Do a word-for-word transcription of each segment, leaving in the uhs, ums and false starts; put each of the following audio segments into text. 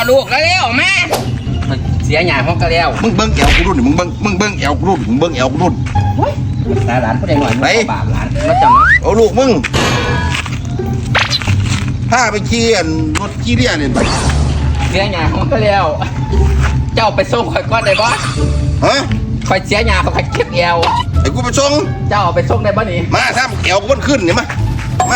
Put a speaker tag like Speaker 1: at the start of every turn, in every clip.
Speaker 1: ลูกแล้วเร็วมาเสียหยาห้องก็แล้ว
Speaker 2: มึงเบิ้งแอวกูรุ่นมึงเบิ้งมึงเบิ้งแอวกูรุ่นมึงเบิ้งแอวกูรุ่น
Speaker 1: หลานผู้ใดหน่อยไปบาปหลานมาจำเนาะ
Speaker 2: เอาลูกมึงถ้าไปขี่รถขี่เรียเนี่ย
Speaker 1: เสียหยาห้องก็แล้วเจ้าไปส่งข่อยก้อนได้บ่
Speaker 2: ฮะ
Speaker 1: ข่อยเสียหยาข่อยเก็บแอว
Speaker 2: ไอ้กูไปส่ง
Speaker 1: เจ้าไปส่งได้บ่นี่
Speaker 2: มาถ้าแอวกูมันขึ้นเนี่ยมามา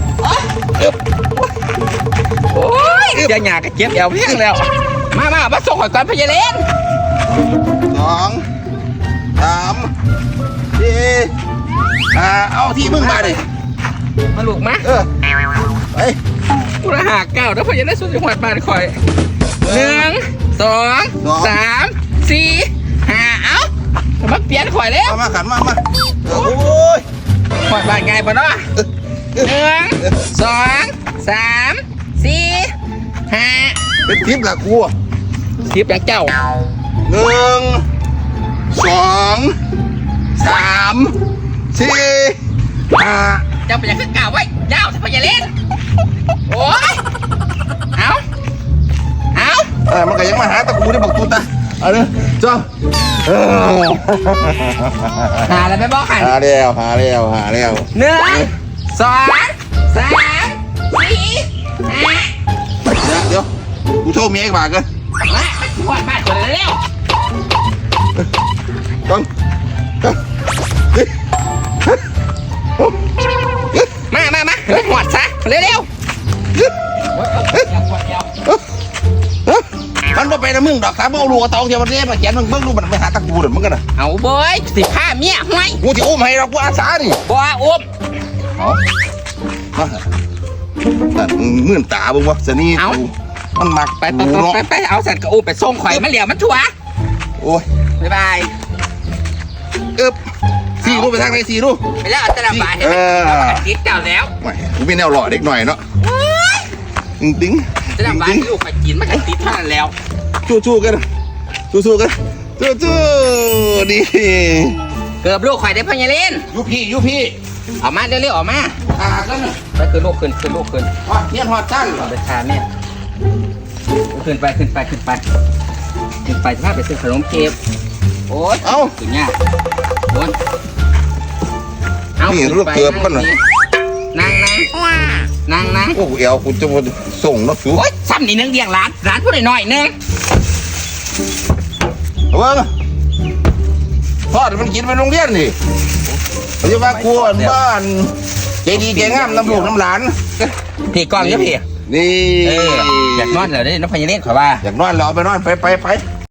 Speaker 1: โอ้ยเสียหยาก็เก็บแอวเพียงแล้วมามามาส่งข่อยก่อนพญาเลน
Speaker 2: สองสามสี่ห้าเอาที่มึงมาดิ
Speaker 1: มาลูกมา
Speaker 2: เออไป
Speaker 1: กูละหาเก้าแล้วพญาเลนสุดจังหวัดบ้านข่อยหนึ่งสองสามสี่ห้าเอ้ามาเปลี่ยนข่อยแล้ว
Speaker 2: มาขันมามาโอ้ย
Speaker 1: ข่อยบ้านไงปะเนาะหนึ่งสองสามสี่ห้า
Speaker 2: เป็นทิปละกู
Speaker 1: ทิปอย่างเจ้า
Speaker 2: หนึ่งสองสามสี่ห้า
Speaker 1: เจ้าเป็นอย่างขึ้นกล่าวไว้ยาวสิพญาเลนโอ้ยเอาเอา
Speaker 2: เออมันก็ยังมาหาตะกูได้บอกตุ๊ดตาเอาเลยจ้า
Speaker 1: หาอะไรไปบอกหัน
Speaker 2: หาแล้วหาแล้วหาแล้ว
Speaker 1: หนึ่งสองสามสี่ห้า
Speaker 2: เดี๋ยวกูโทรเมียอีกบาทกัน
Speaker 1: มาขวดมาขวดเร็ว
Speaker 2: ต้อง
Speaker 1: มามามาขวดซะเร็วเร็ว
Speaker 2: มันมาไปนะมึงดอกสามเอาลูกตองเดี๋ยวมันเรียกมาเขียนมึงเบิ้งลูกมันไปหาตะกูเดี๋ยวมึงกันนะ
Speaker 1: เอาบอยสิผ้าเมียห้อย
Speaker 2: กูที่อุ้มให้เรากูอาสาดิ
Speaker 1: บัวอุ้ม
Speaker 2: เอามามื่นตาบึงวะสนี่
Speaker 1: เอา
Speaker 2: มันหมัก
Speaker 1: ไปไปไปไปเอาสัตว์กระอุ้มไปส่งข่อยมันเหลี่ยมมันชัว
Speaker 2: โอ้ย
Speaker 1: บ๊ายบาย
Speaker 2: เอ๊บสี่ลูกไปทางไหนสี่ลูก
Speaker 1: ไปแล้วอัตราบายเออติดเก่าแล้ว
Speaker 2: ไม่กูเป็นแนวหล่อเด็กหน่อยเนาะติ้งติ้ง
Speaker 1: อัตราบายลูกข่อยกินมันก็ติดเท่านั้นแล้ว
Speaker 2: สู้สู้กันสู้สู้กันสู้สู้ดี
Speaker 1: เกือบลูกข่อยได้พญาเลน
Speaker 2: ยูพี่ยูพี่
Speaker 1: ออกมาเร็วๆออกมา
Speaker 2: ขากัน
Speaker 1: ไปขึ้นลูกขึ้นขึ้นลูกขึ้น
Speaker 2: ฮอดเทียนฮอดตั้น
Speaker 1: ไปทานเนี่ยขึ้นไปขึ้นไปขึ้นไปขึ้นไปถ้าไปซื้อขนมเค้กโอ๊ย
Speaker 2: เอา
Speaker 1: ขึ้นเนี่ยโอ๊ย
Speaker 2: เอานี่รูปเกือบกันเหรอ
Speaker 1: นั่งนั่งนั่งนั่ง
Speaker 2: โอ้เอวกูจะมาส่งนักสู้
Speaker 1: โอ๊ยซ้ำนี่นึงเดียงร้านร้านพูดหน่อยนึง
Speaker 2: เอาบ้างทอดมันกินไปโรงเรียนดิเขาจะมาครัวบ้านใจดีใจงามน้ำลูกน้ำหลาน
Speaker 1: พี่กล้องเยอะพี่
Speaker 2: นี่
Speaker 1: อยากนอนเหรอได้น้องพญาเลนขอว่า
Speaker 2: อยากนอนเราไปนอนไปไปไป